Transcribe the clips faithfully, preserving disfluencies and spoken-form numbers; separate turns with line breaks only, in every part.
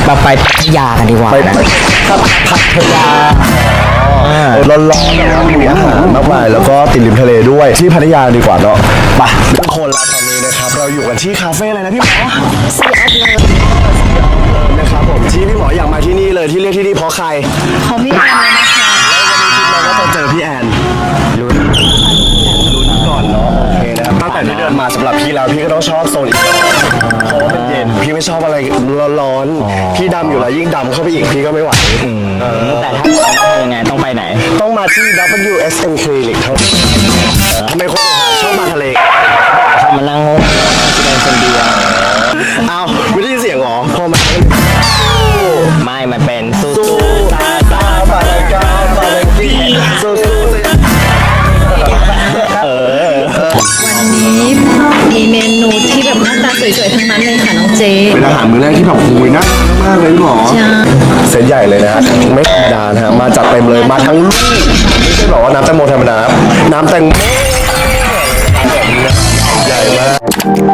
มาไปพัทยากันดีกว่านะ
พัทยาร้อนๆนะครับมีอาหารมากมายแล้วก็ติดริมทะเลด้วยที่พัทยาดีกว่าเนาะไปทุกคนแล้วตอนนี้นะครับเราอยู่กันที่คาเฟ่อะไรนะพี่หมอซีแอดเลยนะครับผมที่พี่หมออยากมาที่นี่เลยที่เรียกที่นี่เพราะใคร
เพราะพี่แอนเลยนะคะ
แล้ววันนี้คิดว่าจะเจอพี่แอนลุ้นลุ้นก่อนเนาะโอเคนะครับตั้งแต่ที่เดินมาสำหรับพี่แล้วพี่ก็ต้องชอบโซนอีกเพราะว่ามันเย็นพี่ไม่ชอบอะไรร้อนๆพี่ดำอยู่แล้วยิ่งดำเข้าไปอีกพี่ก็ไม่ไหว
แต่ถ้าต้องยังไงต้องไปไหน
ต้องมาที่ ดับเบิลยู เอส เอ็ม Clinic เท่านั้นทำไมคนชอบมาทะเล
เขามานั่งแสดงคนเดียว
อ้าวไม่ได้ยินเสียงหรอพอมา
ไม่มันเป็นสู้
ตาตาปาลากาปาลากีสู้เออ
วันนี้มีเมนูที่แบบหน้าตาสวยๆทั้งนั้นเลยค่ะน้องเจ
เป็นอาหารมื้อแรกที่แบบคุยน่ามากเลยหรอเส้นใหญ่เลยนะฮะไม่ธรรมดานะฮะมาจัดเต็มเลยมาทั้งลูกไม่ใช่บอกว่าน้ำแตงโมธรรมดาน้ำแตงโมใหญ่มาก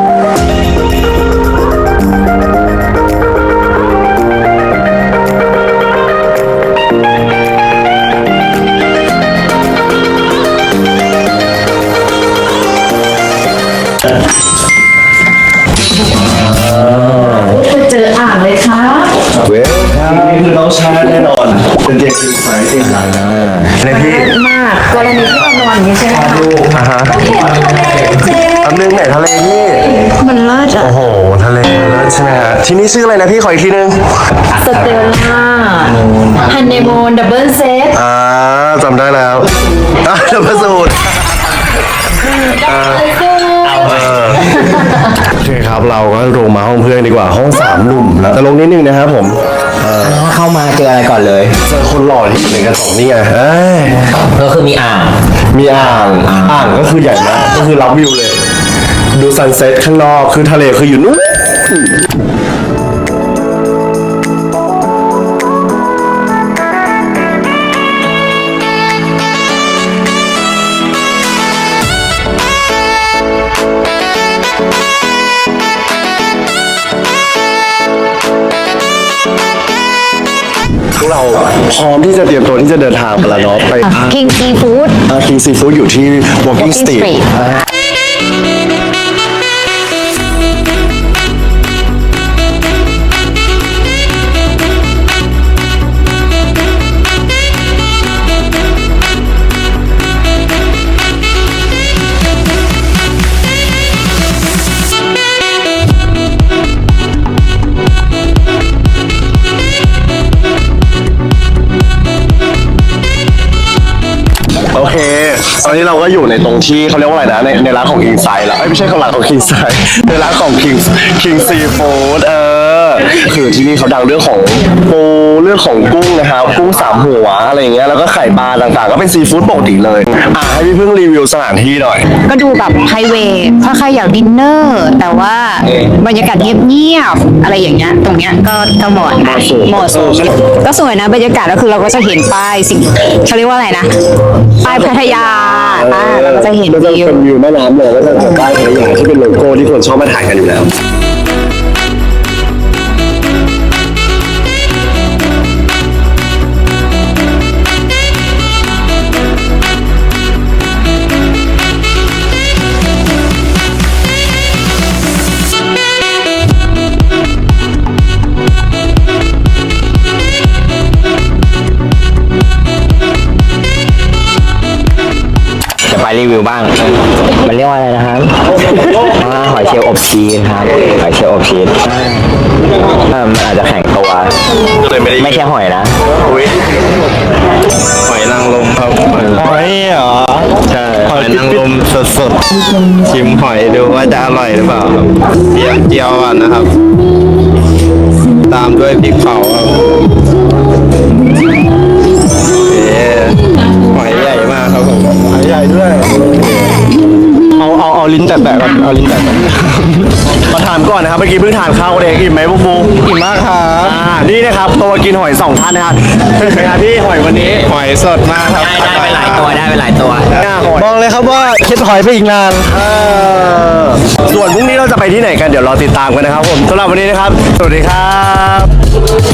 เจออ่างเลยค่ะ
เว้ยนี่คือน้องชายแน่นอนเป็นเด็กที่สายเก่งนะในพี่
มากกรณีที่เรานอนอย่างนี้ใช่ไหมคะ
อ่าฮะอันนึงไหนทะเลพี่
มันเลิศอ่ะ
โอ้โหทะเลมันเลิศใช่ไหมฮะที่นี่ชื่ออะไรนะพี่ขออีกทีนึง
สเตลล่าฮันเนมูนดับเบิลเซต
อ่าจำได้แล้วอ่ะดับเบิลสูตรโอเคครับเราก็ลงมาห้องเพื่อนดีกว่าห้องสามหนุ่มแล้วแต่ลงนิดนึงนะครับผม
เข้ามาเจออะไรก่อนเลย
เจอคนหล่อที่อยู่ในกระสอบนี่ไง
ก็คือมีอ่าง
มีอ่างอ่างก็คือใหญ่มากก็คือรับวิวเลยดูซันเซ็ตข้างนอกคือทะเลคืออยู่นู้นเราพร้อมที่จะเตรียมตัวที่จะเดินทางไปแล้วเนาะไป
King Seafood
King Seafood อยู่ที่ Walking Street โอเคตอนนี้เราก็อยู่ในตรงที่เขาเรียกว่าอะไรนะในในร้านของ King Side แล้วไม่ใช่ของร้านของ King Side ในร้านของ King King Seafood เออคือที่นี่เขาดังเรื่องของปูเรื่องของกุ้งนะครับกุ้งสามหัวอะไรอย่างเงี้ยแล้วก็ไข่ปลาต่างๆก็เป็นซีฟู้ดปกติเลยอ่ะให้พี่พึ่งรีวิวสถานที่หน่อย
ก็ดูแบบไพรเวทถ้าใครอยากดินเนอร์แต่ว่าบรรยากาศเงียบๆอะไรอย่างเงี้ยตรงเนี้ยก็ก็เหมาะนะเหมาะสมก็สวยนะบรรยากาศก็คือเราก็จะเห็นป้ายสิ่งเขาเรียกว่าอะไรนะป้ายพัทยาเราก็จะเห็นวิว
เป็นวิวแม่น้ำเลยก็จะเป็นป้ายพัทยาที่เป็นโลโก้ที่คนชอบมาถ่ายกันอยู่แล้ว
รีวิวบ้างมันเรียกว่าอะไรนะครับหอยเชลล์อบชีสครับหอยเชลล์อบชีสมันอาจจะแข็งตัวไม่ใช่หอยนะ
หอยนางรมครับ
หอยเหรอ
ใช่หอยนางรมสดๆชิมหอยดูว่าจะอร่อยหรือเปล่าเจียวเจียวอ่ะนะครับตามด้วยพริกเผาครับหอยใหญ่มากครับผมหอยใหญ่ด้วยเอาเอาเอาลิ้นแตะๆก่อนเอาลิ้นแตะๆมาถามก่อนนะครับเมื่อกี้เพิ่งทานข้าวเองอิ่มไหมบุ๊กบุ๊กอิ่มมากครับอ่านี่นะครับตัวกินหอยสองท่านนะครับเป็นไงพี่หอยวันนี้หอยสดมากครับ
ได้ไปหลายตัวได้ไปหลายตัว
บอกเลยครับว่าคิดหอยไปอีกนานส่วนพรุ่งนี้เราจะไปที่ไหนกันเดี๋ยวรอติดตามกันนะครับผมสำหรับวันนี้นะครับสวัสดีครับ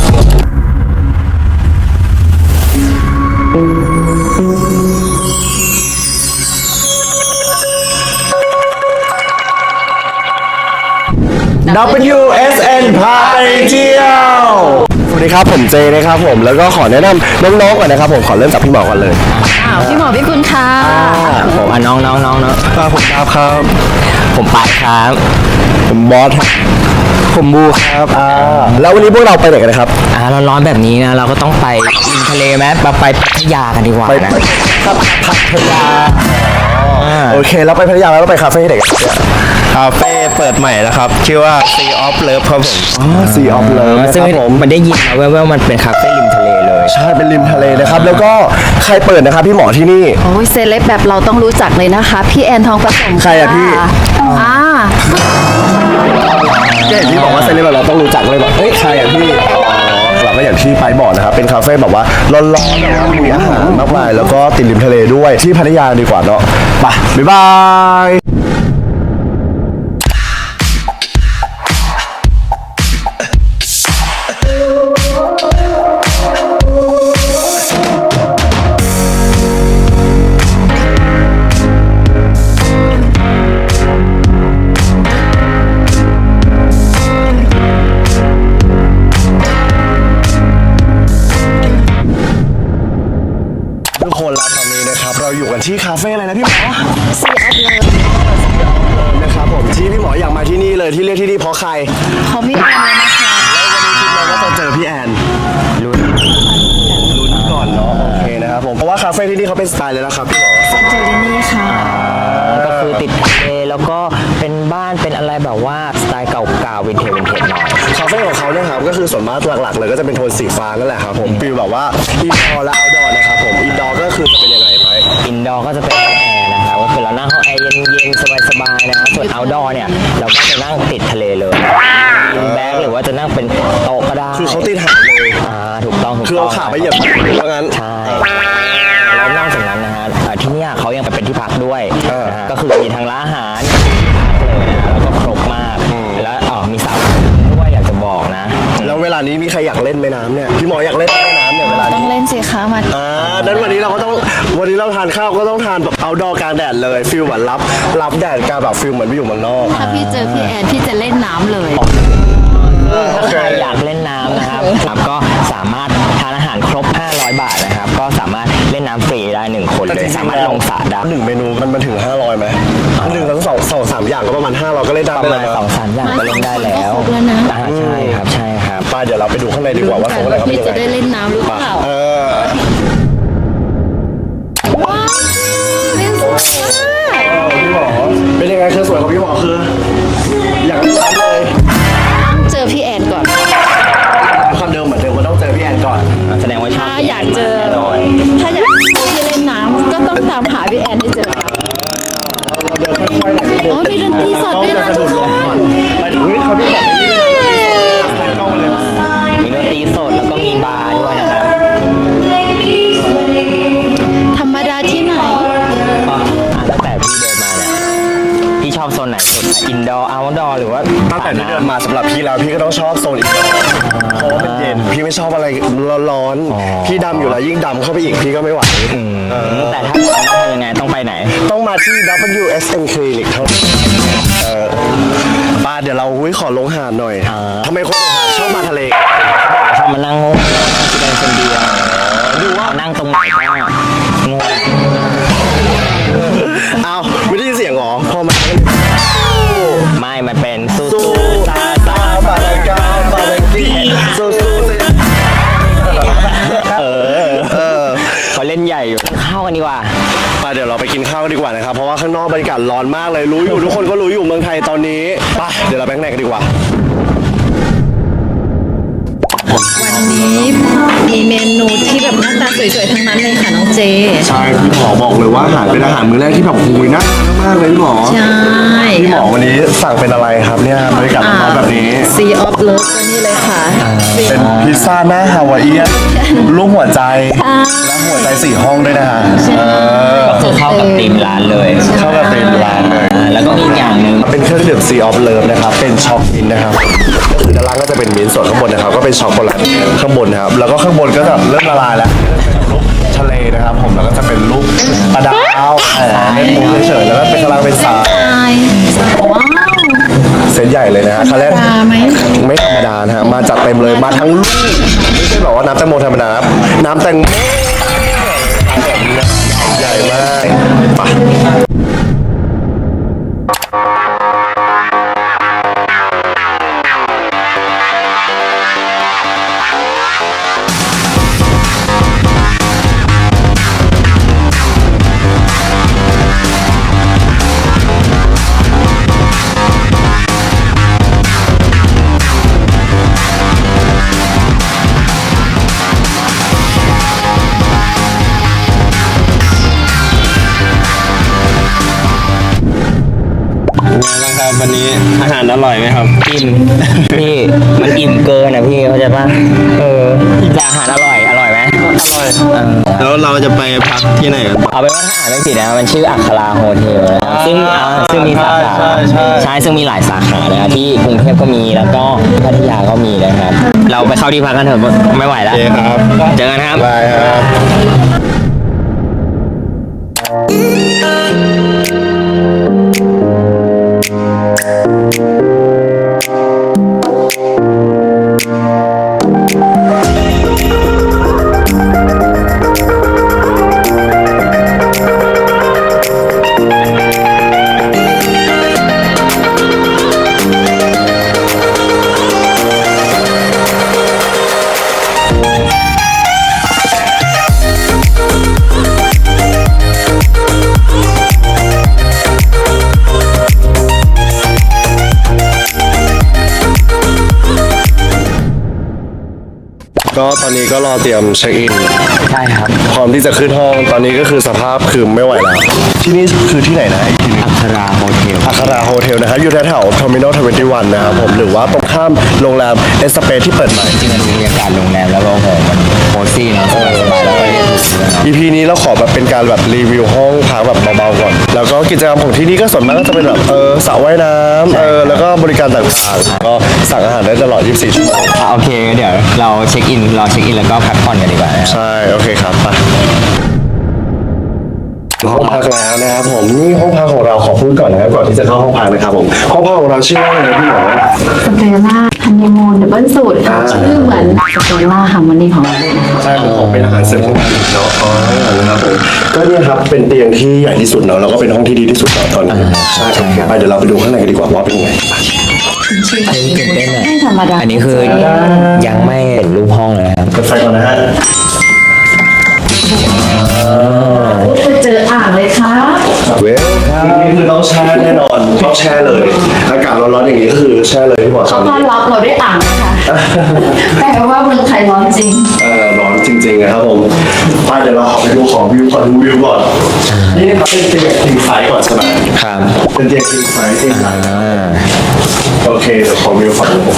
ดับเบิลยู เอส เอ็น พาไปเที่ยวสวัสดีครับผมเจนะครับผมแล้วก็ขอแนะนำน้องๆก่อนนะครับผมขอเริ่มจากพี่หมอก่อนเลย
อ้าวพี่หมอพี่คุณค่ะ
ผมอ่ะน้องน้องน้องน้อง
ครับผมครับครับ
ผมปายครับ
ผมบอสครับผมบูครับอ่าแล้ววันนี้พวกเราไปไหนกันนะครับ
อ่าร้อนๆแบบนี้นะเราก็ต้องไปริมทะเลไหมไปไปพัทยากันดีกว่า
ไป
นะ
ครับพัทยา
อ่า
โอเคแล้วไปพัทยาแล้วไปคาเฟ่ที่ไหนกันเนี่ย
คาเฟ่เปิดใหม่แล้วครับ ชื่อว่า Sea of Love ครับผม
อ๋อ Sea of Love นะ
ซึ่ง
ครับผม
มันได้ยินมาแว่วๆมันเป็นคาเฟ่ริมทะเลเลย
ใช่เป็นริมทะเลนะครับแล้วก็ใครเปิดนะครับพี่หมอที่นี่
โอ้ยเซเลบแบบเราต้องรู้จักเลยนะคะ พี่แอนทองผสม
ใครอะพี่
อ่า
ก็เห็นพี่บอกว่าเซเลบเราต้องรู้จักเลยแบบเฮ้ยใครอ่ะพี่อ๋อเราก็อย่างที่ไปบอกนะครับเป็นคาเฟ่แบบว่าร้อนๆนะครับมีอาหารมากมายแล้วก็ติดริมทะเลด้วยที่พัทยาดีกว่าเนาะไปบ๊ายบายทุกคนแล้วตอนนี้นะครับเราอยู่กันที่คาเฟ่อะไรนะพี่หมอ
ซีออฟเลย
นะครับผมที่พี่หมออยากมาที่นี่เลยที่เรียกที่นี่เพราะใคร
เขาไม่แอนเลยนะคะ
เราก็จะเจอพี่แอนลุ้นลุ้นก่อนเนาะโอเคนะครับผมเพราะว่าคาเฟ่ที่นี่เขาเป็นสไตล์เลยนะครับพี่หมอ
เจอที่นี่ค่ะ
ก็คือติดทะเลแล้วก็เป็นบ้านเป็นอะไรแบบว่าสไตล์เก่าๆวินเทจวินเทจหน่อย
คาเฟ่ของเขาเนี่ยครับก็คือส่วนมากหลักๆเลยก็จะเป็นโทนสีฟ้านั่นแหละครับผมฟิลแบบว่าอินดอร์และเอาท์ดอร์นะครับผมอินดอร์ก็คือจะเป็นยังไงไป
อินดอร์ก็จะเป็นห้องแอร์นะครับก็คือเรานั่งห้องแอร์เย็นๆสบายๆนะครับส่วนเอาท์ดอร์เนี่ยเราก็จะนั่งติดทะเลเลยอินแบ็กหรือว่าจะนั่งเป็นโต๊ะก็ได้
คือเขาติดหาดเลย
อ่าถูกต้องถูก
คือ
ต้
เอา
อง
ขาไปเหยียบว่างั้น
ใช่แล้วนอกจากนั้นนะฮะอ่าที่เนี่ยเขายังเป็นที่พักด้วย
เออ
นะฮะก็คือมีทั้งร้านอาหารเลยนะแล้วก็ครบมากแล้วอ๋อมีสระด้วยอยากจะบอกนะ
แล้วเวลานี้มีใครอยากเล่นแม่น้ำเนี่ยพี่หมออยากเล่นแม่น้ำเนี่ยเวลา
ต้อ
นี้
งเล่นสิคะมา
อ่าดังวันนี้เราก็ต้องวันนี้เราทานข้าวก็ต้องทานแบบเอาดอกลางแดดเลยฟิลเหมือนรับรับแดดกลางแบบฟิลเหมือนไปอยู่เมืองนอก
ถ้าพี่เจอพี่แอนพี่จะเล่นน้ำเลย
ถ้าใครอยากเล่นน้ำนะครับครับก็สามารถทานอาหารครบ ห้าร้อย บาทนะครับ ก็สามารถเล่นน้ำฟรีได้หนึ่งคนเลยสามารถลงสระได้
หนึ่งเมนูมันมันถึงห้าร้อยไหมหนึ่งทั้งสองสองสามอย่างก็ประมาณห้าร้อยก็เล่นได้
ประมาณ
เลย
สองสามอย่างก็เล่นได้แล้ว
ครบแล้วนะ
อ่าใช่ครับใช่ครับ
ไปเดี๋ยวเราไปดูข้างในดีกว่าว่าของอะไรเขาเป็น
พี่
ยัง
จะได้
ไง
เล่นน้ำหรือเปล่า
เออ
ว้าวเล่นสวยมาก
พี่หมอเป็นยังไงคือสวยของพี่หมอคือ อยากเล่นน้ำเลย
เจอพี่แอนก่อน
คำเดิมเหมือนเดิมว่าต้องเจอพี่แอนก่อน
แสดงว่าชอบ
ถ้าอยากเจอ
แน่นอน
ถ้าอยากเจอพี่เล่นน้ำก็ต้องตามหาพี่แอนให้เจอค่ะ
เราเดินค่อยๆหน่อยนิดนึง
โอ้มีดนตรีสดด้วยนะทุกคน
ไปถึงเฮ้ยเขาพี่บอกไม่ได้เลยถ่ายกล้องมาเลย
มีดนตรีสดแล้วก็มีบาร์ด้วยนะครับ
ธรรมดาที่ไหน
ก็อ่าตั้งแต่พี่เดินมาเนี่ยพี่ชอบโซนไหนสุดอินดอร์เอาท์ดอร์หรือว่า
ตั้งแต่ที่เดินมาสำหรับพี่แล้วพี่ก็ต้องชอบโซนอีกเพราะว่ามันเย็นพี่ไม่ชอบอะไรร้อนๆพี่ดำอยู่แล้วยิ่งดำเข้าไปอีกพี่ก็ไม่ไหวเออ
แต่ถ้าต้องทำยังไงต้องไปไหน
ต้องมาที่ ดับเบิลยู เอส เอ็น Clinic เท่านั้นเออป้าเดี๋ยวเราอุ้ยขอลงหาดหน่อย
อ่า
ทำไมคนในหาดชอบมาทะเล
ชอบมานั่งงงที่เป็นคนเดียวดูว่านั่งตรงไหนก็งง
อ้าวไม่ได้ยินเสียงเหรอพอมา
ไม่มันเป็นสู้
สู้
ๆซาซา
ปาดากาปาดากีสู้สู้
เออ
เออ
เขาเล่นใหญ่อยู่เข้ากันดีกว่า
ไปเดี๋ยวเราไปกินข้าวกันดีกว่านะครับเพราะว่าข้างนอกบรรยากาศร้อนมากเลยรู้อยู่ทุกคนก็รู้อยู่เมืองไทยตอนนี้ไปเดี๋ยวเราไปข้างในกันดีกว่า
วันนี้มีเมนูที่แบบหน้าตาสวยๆทั้งนั้นเลยค่ะน้องเจ
ใช่พี่หมอบอกเลยว่าอาหารเป็นอาหารมื้อแรกที่แบบหุยน่าทานมากเลยพี่หมอ
ใช่
พี่หมอวันนี้สั่งเป็นอะไรครับเนี่ยบรรยากาศร้อนๆแบบนี้
ซีออฟเลิฟก็นี่เลยค่ะ
เป็นพิซซ่าหน้าฮาวายเอียนรูปหัวใจและหัวใจสี่ห้องด้วยนะฮะเออ
ก็คือเข้ากับธีมร้านเลย
เข้ากับธีมร้านเลย
อ่าแล้วก็มีอีกอย่างหนึ่ง
เป็นเครื่องดื่ม Sea of Love นะครับเป็นช็อกมินท์นะครับก็คือด้านล่างก็จะเป็นมิ้นท์ส่วนข้างบนนะครับก็เป็นช็อกโกแลตข้างบนนะครับแล้วก็ข้างบนก็จะเริ่มละลายแล้วรูปทะเลนะครับผมแล้วก็จะเป็นรูปปลาดาวเออเล่นมุ้งเฉยๆแล้วก็เป็นกำลังเป็นสาย
ว้าว
เซตใหญ่เลยนะฮะคันแรกไม่ธรรมดานะฮะมาจัดเต็มเลยมาทั้งลูกไม่ใช่แบบว่าน้ำแตงโมธรรมดานะน้ำแตงโมใหญ่มากไป
นะครับวันนี้อาหารอร่อยไหมครับ
อิ่มพี่มันอิ่มเกินอ่ะพี่เข้าใจป่ะเออแต่อาหารอร่อยอร่อยไหมอร่อย
แล้วเราจะไปพักที่ไหนกัน
เอาเป็นว่าถ้าอ่านไม่ผิดนะมันชื่ออัคราโฮเทลนะซึ่งอ่าซึ่งมีสาขา
ใช่ใช่
ใช่ซึ่งมีหลายสาขาเลยนะที่กรุงเทพก็มีแล้วก็พัทยาก็มีนะครับเราไปเข้าที่พักกันเถอะไม่ไหวแล้ว
โอเคครับ
เจอกันครับ
บายครับ
ก็ตอนนี้ก็รอเตรียมเช็คอิน
ใช่ครับ
พร้อมที่จะขึ้นห้องตอนนี้ก็คือสภาพคือไม่ไหวแล้วที่นี่คือที่ไหนนะอีกทีหนึง
อัคราโฮเทล
อัคราโฮเทลนะครับอยู่แถวๆ Terminal ทเวนตี้วันนะครับผมหรือว่าตรงข้ามโรงแรมเอสเปซที่เปิดใหม่
จริงๆมันมีบรรยากาศโรงแรมแล้วก็โอ้โหมันโคซี่เนอะสบายๆแล้วก็เรียนรู้ด้วยเนอะ
อี พี นี้เราขอแบบเป็นการแบบรีวิวห้องพักแบบเบาๆก่อน แล้วก็กิจกรรมของที่นี่ก็ส่วนมากก็จะเป็นแบบเออสระว่ายน้ำเออแล้วก็บริการต่างๆก็สั่งอาหารได้ตลอดยี่สิบสี่ชั่วโมง
อ่ะโอเคเดี๋ยวเราเช็คอินรอเช็คอินแล้วก็พักผ่อนกันดีกว่านะครับ
ใช่โอเคครับไปห้องพักแล้วนะครับผมนี่ห้องพักของเราขอพูดก่อนนะครับก่อนที่จะเข้าห้องพักนะครับผมห้องพักของเราชื่อว่าอะไรพี่หมอ
สเตลล่าฮันนีมูนดับเบิลสูตรค่ะชื่อเหมือนสเตลล่าฮาร์โมนีของเราเลยนะคะ
ใช่ผมขอเป็นอาหารเสริมของบ้านเนาะอ๋อนะครับผมก็เนี่ยครับเป็นเตียงที่ใหญ่ที่สุดเนาะแล้วก็เป็นห้องที่ดีที่สุดเนาะตอนนี้ใช่ครับไปเดี๋ยวเราไปดูข้างในกันดีกว่าว่าเป็นยังไง
อันนี้ตื่นเต้นอ่ะ
ไม่ธรรมดา
อันนี้คือยังไม่เห็นรูปห้องเลยครับ
เปิดไฟก่อนนะฮะ
ไปเจออ่างเลยค่ะ
เว้ยนี่คือต้องแช่แน่นอนต้องแช่เลยอากาศร้อนๆอย่างนี้ก็คือแช่เลยที่บอก
เขาต้อนรับเราด้วยอ่างนะคะแปลว่าเมืองไทยร้อนจริง
เออร้อนจริงๆนะครับผมไปเดี๋ยวเราไปดูของวิวก่อนดูวิวก่อนนี่นะครับเป็นเตียงคิงไซส์ก่อนใช่ไหม
ครับ
เป็นเตียงคิงไซส์เตียงไซส์
อ่า
โอเคเดี๋ยวของวิวฝั่งนี้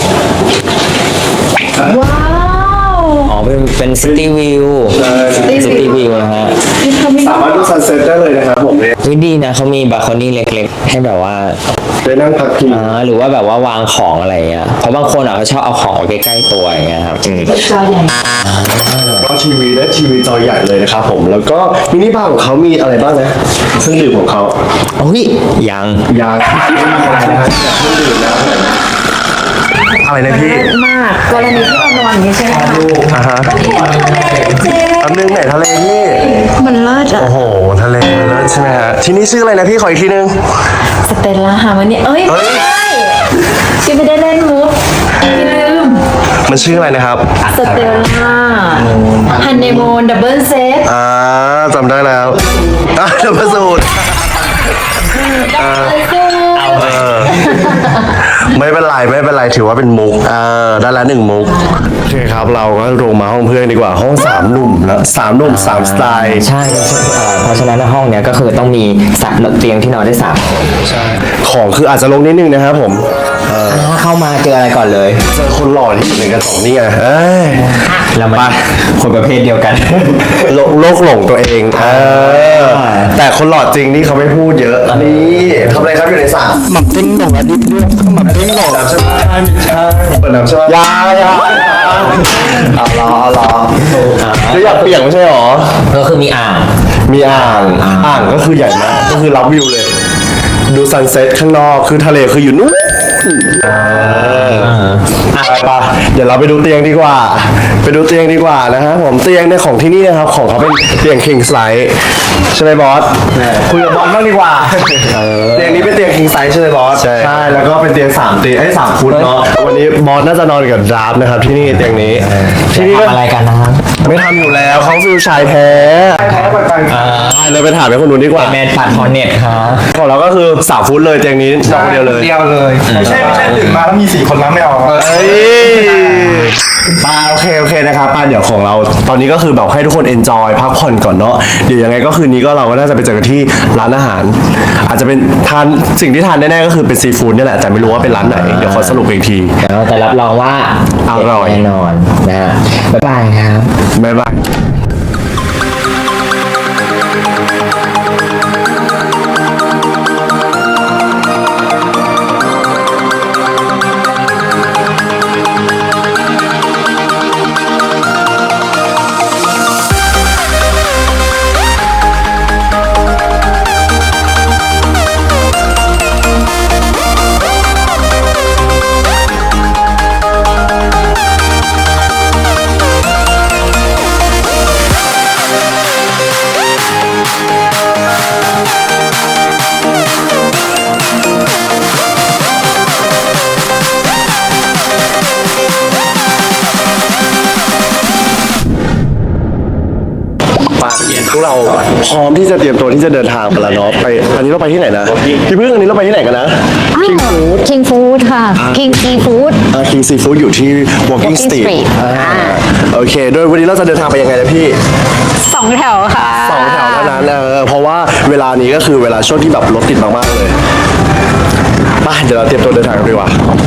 ว้าว
อ๋อเป็นเป็นซิตี้วิวซิตี้วิวนะฮะ
นี่เขาไม่
สามารถดูซันเซ็ตได้เลยนะครับผมเนี่ย
วิดีนะเขามีบาร์โคนี่เล็กๆ ให้แบบว่า
ได้นั่งพักพิง
อ่าหรือว่าแบบว่าวางของอะไรเงี้ยเพราะบางคนอ่ะเขาชอบเอาของไว้ใกล้ๆตัวอย่างเงี้ยครับอืม
จอใหญ่
ก็ทีวีและทีวีจอใหญ่เลยนะครับผมแล้วก็มินิบาร์ของเขามีอะไรบ้างนะเครื่องดื่มของเขา
โอ้ยยัง
ยาเครื่องดื่มนะอะไรนะพี่
มากกรณีที่เรานอนอย่างนี้ใช่ไหมคะ
อ่าฮะ
เจ๊
อันนึงไหนทะเลพี่
มันเลิศอะ
โอ้โหทะเลมันเลิศใช่ไหมฮะที่นี่ชื่ออะไรนะพี่ขออีกทีนึง
สเตลล่าฮาร์โมนีเอ้ย
เอ้ย
ไม่ใช่พี่ไม่ได้เล่นมุกพี่ลืม
มันชื่ออะไรนะครับ
สเตลล่าฮันนีมูนดับเบิลเซต
อ่าจำได้แล้วอ่ะเดี๋ยวมาสูตร เออไม่เป็นไรไม่เป็นไรถือว่าเป็นมุกเออได้ละหนึ่งมุกโอเคครับเราก็ลงมาห้องเพื่อนดีกว่าห้องสามหนุ่มแล้วสามหนุ่มสามสไตล์
ใช่เอ่อเพราะฉะนั้นห้องเนี้ยก็คือต้องมีสามเตียงที่นอนได้สามคน
ของคืออาจจะลงนิดนึงนะครับผมเออ
ถ้าเข้ามาเจออะไรก่อนเลย
เจอคนหล่อที่อยู่ในกระสองนี่ไงเอ้ย
เรามาคนประเภทเดียวกัน
โลโลกหลงตัวเองเออแต่คนหล่อจริงนี่เขาไม่พูดเยอะนี่ทำอะไรครับอยู่ในสระ
หมักติ้งหนงอันนี้เรื่องหมักติ้งหนง
น้ำใช่ไหมเปิดน้ำใช่ไหมยายาเอาล้อเอาล้อจะอยากเปียกไม่ใช่หรอ
ก็คือมีอ่าง
มีอ่าง อ่างก็คือใหญ่มาก ก็คือรับวิวเลย ดูซันเซ็ตข้างนอก คือทะเลคืออยู่นู้นสึไปปะเดี๋ยวเราไปดูเตียงดีกว่า ไปดูเตียงดีกว่านะฮะผมเตียงในของที่นี่นะครับของเขาเป็นเตียง king size ใช่ไหมบอสคุยกับบอสบ้างดีกว่าเตียงนี้เป็นเตียง king size ใช่ไหมบอสใช่แล้วก็เป็นเตียงสามเตียงไอ้สามฟุตเนาะวันนี้บอสน่าจะนอนกับดราฟนะครับที่นี่เตียงนี้ที่นี่
ทำอะไรกันนะครับ
ไม่ทำอยู่แล้วเขาฟิลชายแท้แท้ปันๆเลยไปถามไปคนนู้นดีกว่า
แมนปัดคอนเน็ตครับ
ของเราก็คือสามฟุตเลยเตียงนี้นอนคนเดียวเลย
เดียวเลยไม่ใช่ไม่ใช่ตื่นมาแล้วมีสี่คนแล้วไม่เอา
เอ้ยปาโอเคโอเคนะครับปาเดี๋ยวของเราตอนนี้ก็คือแบบให้ทุกคน enjoy พักผ่อนก่อนเนาะเดี๋ยวยังไงก็คืนนี้ก็เราก็น่าจะไปเจอกันที่ร้านอาหาร อาจจะเป็นทานสิ่งที่ทานแน่ๆก็คือเป็นซีฟู้ดนี่แหละแต่ไม่รู้ว่าเป็นร้านไหนเดี๋ยวขอสรุปอีกที
แล้วแต่รับรองว่า
อร่อย
แน่นอนนะฮะบ๊ายบายครับ
บ๊ายบาย พวกเราพร้อมที่จะเตรียมตัวที่จะเดินทางกันแล้วเนาะไปอันนี้เราไปที่ไหนนะพี่พึ่งอันนี้เราไปที่ไหนกันนะ King Food
King Food ค่ะ King Seafood
อ่า King Seafood อยู่ที่ Walking
Walking
Street
Street
อ่าโอเคโดยวันนี้เราจะเดินทางไปยังไงนะพี่
สองแถวค่ะ
สองแถวเท่านั้นเออเพราะว่าเวลานี้ก็คือเวลาช่วงที่แบบรถติดมากๆเลยไปเดี๋ยวเราเตรียมตัวเดินทางกันดีกว่า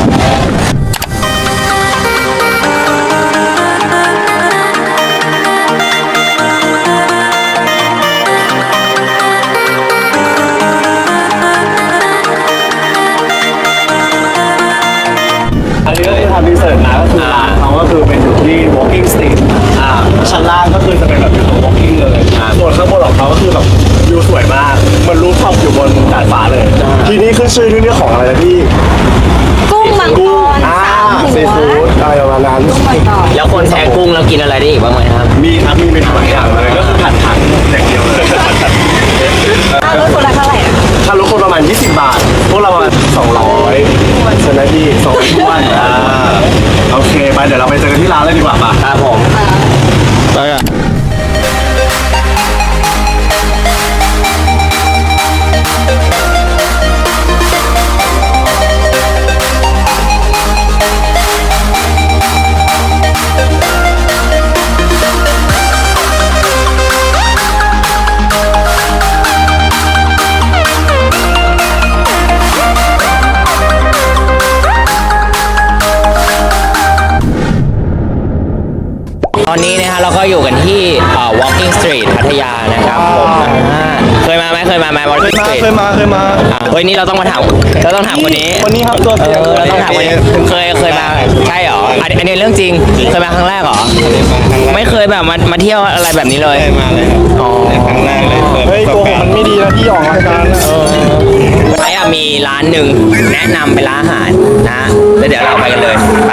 อันนี้ก็คือทำรีเสิร์ชมาก็คือร้านเขาก็คือเป็นอยู่ที่ Walking Street อ่าชั้นล่างก็คือจะเป็นแบบอยู่ตรง Walking เลยส่วนข้างบนของเขาก็คือแบบวิวสวยมากเหมันรูฟท็อปอยู่บนดาดฟ้าเลย ที่นี่ขึ้นชื่อที่นี่ของอะไรนะพี่
กุ้งมังกร
อ่า
สามหั
ซี
ว
ฟู้ดอะไรประมาณนั้น
แล้วคนแพ้กุ้งแล้วกินอะไรได้อีกบ้างไหมครับ
มีครับมีเป็นหลายอย่างเลยก็คือผัดผักอย่างเดียวเลย
รถคนละเท่าไหร่อะ
ถ้ารถคนประมาณยี่สิบบาท พวกเราประมาณสองร้อยใช่ไหมพี่สองถ้วนอ่าโอเคไปเดี๋ยวเราไปเจอกันที่ร้านเลยดีกว่าป่ะ
ครับผม
ไปอ่ะ
ตอนนี้นะฮะเราก็อยู่กันที่เอ่อ Walking Street พัทยานะครับผมอ่าเคยมาไหมเคยมาไหม Walking
มา
Street
เคยมาเคยมา
อ่าเฮ้ยนี่เราต้องมาถามเราต้องถามคนนี้
คนนี้ครับตัว
เอ
เตียง
อเราต้องถามคนนี้เคยเคยมาใช่เหรออันอันนี้เรื่องจริงเคยมาครั้งแรกเหรอไม่เคยแบบมามาเที่ยวอะไรแบบนี้เลย
มาเลยครับ
อ๋อ
ครั้งแรกเลยเปิด
เฮ้ยโกหกมันไม่ดีนะพี่ออกรายการนะ
ไอ้อะมีร้านหนึ่งแนะนำเป็นร้านอาหารนะแล้วเดี๋ยวเราไปกันเลยไป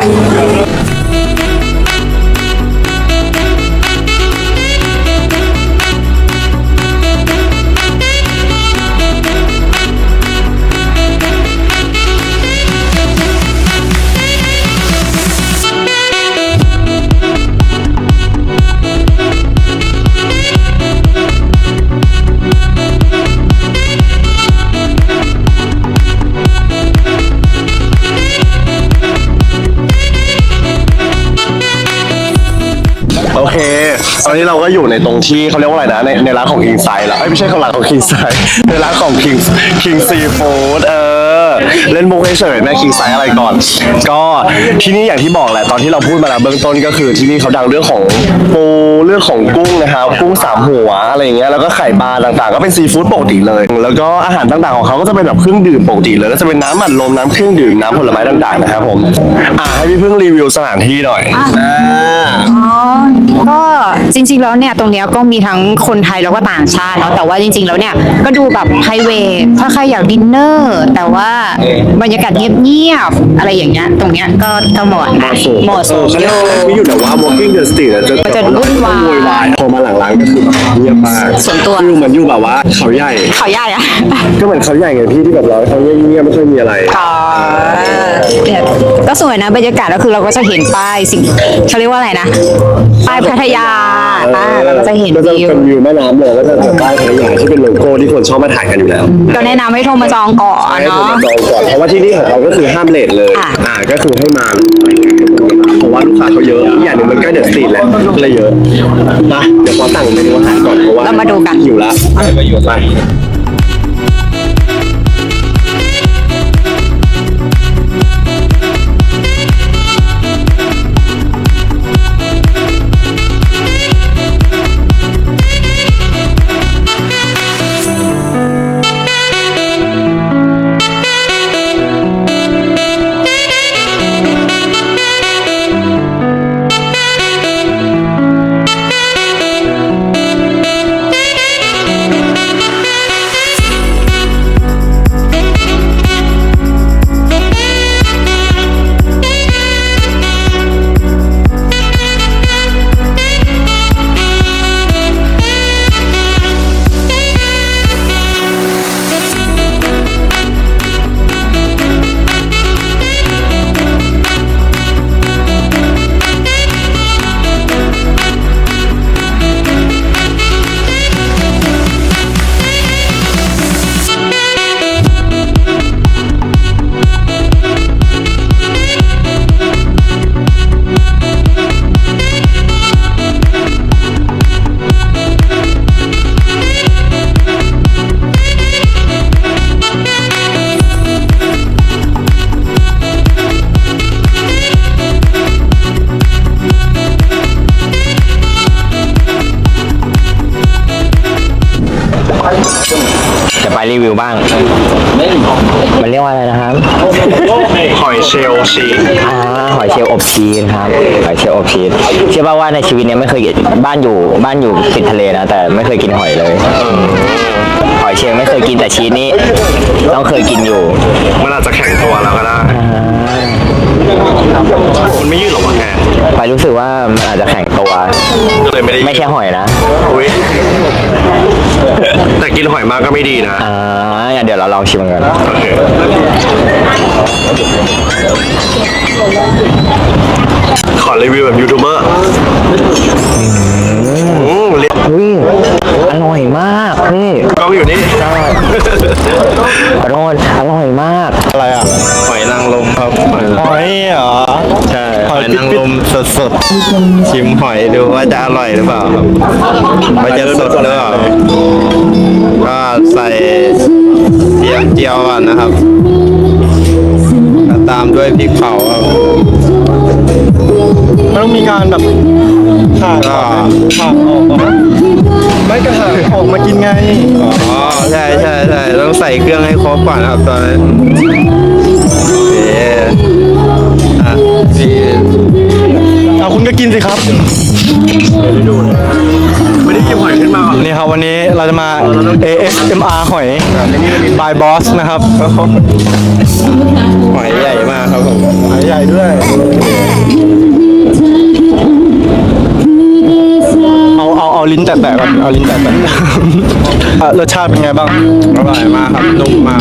โอเค ตอนนี้เราก็อยู่ในตรงที่เขาเรียกว่าอะไรนะในในร้านของ King Size แล้วเอ้ยไม่ใช่ของร้านของ King Size ในร้านของ King King Seafood เออเล่นมุกเฉยๆแม่ King Size อะไรก่อน ก็ที่นี่อย่างที่บอกแหละตอนที่เราพูดมาแล้วเบื้องต้นก็คือที่นี่เขาดังเรื่องของปูเรื่องของกุ้งนะครับกุ้งสามหัวอะไรอย่างเงี้ยแล้วก็ไข่ปลาต่างๆ ก็เป็นซีฟู้ดปกติเลย แล้วก็อาหารต่างๆของเขาก็จะเป็นแบบเครื่องดื่มปกติเลยก็จะเป็นน้ำอัดลมน้ำเครื่องดื่มน้ำผลไม้ต่างๆนะครับผมอ่ะให้พี่เพิ่งรีวิวสถานที่หน่อยอ่า
อ๋อ ก็จริงๆแล้วเนี่ยตรงเนี้ยก็มีทั้งคนไทยแล้วก็ต่างชาติเนาะแต่ว่าจริงๆแล้วเนี่ยก็ดูแบบไพรเวทถ้าใครอยากดินเนอร์แต่ว่าบรรยากาศเงียบๆอะไรอย่างเงี้ยตรงเนี้ยก็ก็เหมาะนะเหมาะสม
เขาเรียกว่าไม่อยู่แต่ว่า walking the street อะจะ
มันจะวุ่นวาย
โวยวายพอมาหลังร้านก็คือแบบเงียบมาก
ส่วนตัว
คือเหมือนอยู่แบบว่าเขาใหญ่
เขาใหญ่อะ
ก็เหมือนเขาใหญ่ไงพี่ที่แบบเราเขาเงียบๆไม่ค่อยมีอะไร
อ๋อเนี่ยก็สวยนะบรรยากาศก็คือเราก็จะเห็นป้ายสิ่งเขาเรียกว่าอะไรนะป้ายพัทยาอ่าเราก็จะเห็น
ก็จะ
วิว
เป็นวิวแม่น้ำเลยก็จะแบบป้ายพัทยาที่เป็นโลโก้ที่คนชอบมาถ่ายกันอยู่แล้ว
ก็แนะนำให้โทรมาจองก่อน
ให้ผม
เนาะ
มาจองก่อนเพราะว่าที่นี่ของเราก็คือห้ามเลทเลย
อ่ะ
อ่าก็คือให้มาเพราะว่าลูกค้าเขาเยอะอีกอย่างหนึ่งมันใกล้เดอะสตรีทแหละก็เลยเยอะนะเดี๋ยวขอสั่งเมนูอาหารก่อนเพราะว่า
เรามาดูกัน
หิวละไปอยู่ไป
จะไปรีวิวบ้าง มันเรียกว่าอะไรนะครับ
หอยเชลล์ชีส
อ่าหอยเชลล์อบชีสครับหอยเชลล์อบชีสเชื่อป่าวว่าในชีวิตเนี้ยไม่เคยบ้านอยู่บ้านอยู่ติดทะเลนะแต่ไม่เคยกินหอยเลยหอยเชลล์ไม่เคยกินแต่ชีสนี่ต้องเคยกินอยู่
มันอาจจะแข็งตัวแล้วก็ได้มันไม่ยืดหรอวะแก
ไปรู้สึกว่ามันอาจจะแข็งตัว
ก็เลยไม่ได้
ไม่ใช่หอยนะ
อุ๊ยแต่กินหอยมากก็ไม่ดีนะ
อ่างั้นเดี๋ยวเราลองชิมกัน
โอเคขอรีวิวแบบยูทูบเบอร์อืมเรียก
อุ้ยอร่อยมากพี่
กล้องอยู่นี่
ขอโทษอร่อยมาก
อะไรอ่ะ
หอยนางรมครับ
หอยเหรอ
ใช่หอยนางรมสดๆ ชิมหอยดูว่าจะอร่อยหรือเปล่าครับว่าจะสดหรือเปล่าก็ใส่เจียวเจียวก่อนนะครับแล้วตามด้วยพริกเผาครับ
มันต้องมีการแบบผ่า
ก็
ผ่าออกมาไม่กระหาออกมากินไง
อ๋อใช่ใช่ใช่ต้องใส่เครื่องให้ครบก่อนครับตอนนี้โอเคอ่ะพี่
เอาคุณก็กินสิครับ ไม่ได้กินหอยขึ้นมานี่ครับวันนี้เราจะมา เอ เอส เอ็ม อาร์ หอย by boss นะครับ
หอยใหญ่มากครับผม
หอยใหญ่ด้วย เอาเอาเอาลิ้นแตะๆก่อนเอาลิ้นแตะๆ อ่ะรสชาติเป็นไงบ้าง
อร่อยมากครับนุ่มมาก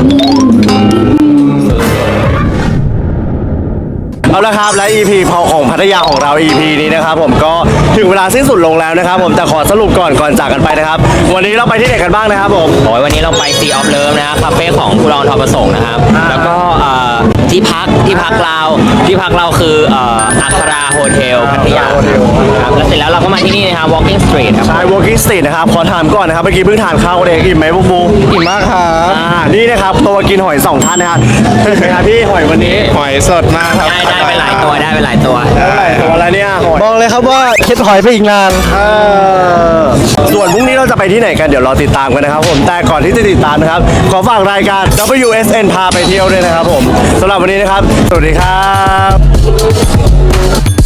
เอาละครับและ อี พี พอของพัทยาของเรา อี พี นี้นะครับผมก็ถึงเวลาสิ้นสุดลงแล้วนะครับผมแต่ขอสรุปก่อนก่อนจากกันไปนะครับวันนี้เราไปที่ไหนกันบ้างนะครับผม
โอ้ยวันนี้เราไป Sea of Love นะครับคาเฟ่ของคุณรองทอประสงค์นะครับ แล้วก็เอ่อที่พักที่พักเราที่พักเราคือเอ่ออัคราโฮเทลพัทยาครับแล้วเสร็จแล้วเราก็มาที่นี่นะครับ Walking Street ครับ
ใช่ walking street นะครับขอถามก่อนนะครับเมื่อกี้เพิ่งทานข้าวกันเองอิ่มไหมบุ๊บู
อิ่มมากครับ
อ่านี่นะครับตัวกินหอยสองท่านนะครับเป็นไงครับพี่หอยวันนี้
หอยสดมากครับ
ได้ได้ไปหลายตัวได้ไปหลายตัว
ตัวอะไรเนี่ยหอย
บอกเลยครับว่าเค็ดหอยไปอีกนาน
เออส่วนพรุ่งนี้เราจะไปที่ไหนกันเดี๋ยวรอติดตามกันนะครับผมแต่ก่อนที่จะติดตามนะครับขอฝากรายการ ดับเบิลยู เอส เอ็น พาไปเที่ยวด้วยนะครับผมสำหรับวันนี้นะครับสวัสดีครับ